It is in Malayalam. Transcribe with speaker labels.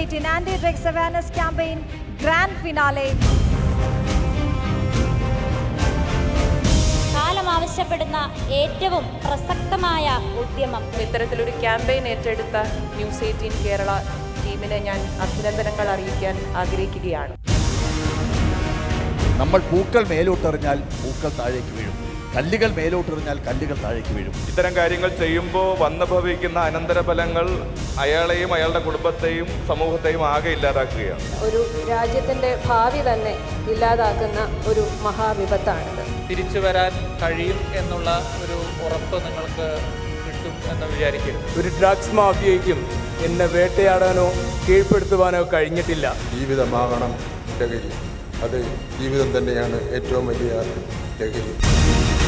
Speaker 1: News18 Anti-Drugs Awareness Campaign Grand Finale.
Speaker 2: കാലം ആവശ്യപ്പെടുന്ന ഏറ്റവും പ്രസക്തമായ ഉദ്യമം.
Speaker 3: ഇത്തരത്തിലൊരു ക്യാമ്പയിൻ ഏറ്റെടുത്ത News18 കേരള ടീമിനെ ഞാൻ അഭിനന്ദനങ്ങൾ അറിയിക്കാൻ ആഗ്രഹിക്കുകയാണ്.
Speaker 4: നമ്മൾ പൂക്കൾ മേലോട്ടെറിഞ്ഞാൽ പൂക്കൾ താഴേക്ക് വീഴും, കല്ലുകൾ മേലോട്ടെറിഞ്ഞാൽ കല്ലുകൾ താഴേക്ക് വീഴും.
Speaker 5: ഇത്തരം കാര്യങ്ങൾ ചെയ്യുമ്പോൾ വന്നു ഭവിക്കുന്ന അനന്തരഫലങ്ങൾ അയാളെയും അയാളുടെ കുടുംബത്തെയും സമൂഹത്തെയും ആകെ ഇല്ലാതാക്കുകയാണ്.
Speaker 6: ഒരു രാജ്യത്തിൻ്റെ ഭാവി തന്നെ ഇല്ലാതാക്കുന്ന ഒരു മഹാവിപത്താണിത്.
Speaker 7: തിരിച്ചു വരാൻ കഴിയും എന്നുള്ള ഒരു ഉറപ്പ് നിങ്ങൾക്ക് കിട്ടും എന്ന് വിചാരിക്കരുത്.
Speaker 8: ഒരു ഡ്രഗ്സ് മാഫിയയ്ക്കും എന്നെ വേട്ടയാടാനോ കീഴ്പ്പെടുത്തുവാനോ കഴിഞ്ഞിട്ടില്ല.
Speaker 9: ജീവിതമാകണം ലഹരി, അത് ജീവിതം തന്നെയാണ് ഏറ്റവും വലിയ ലഹരി.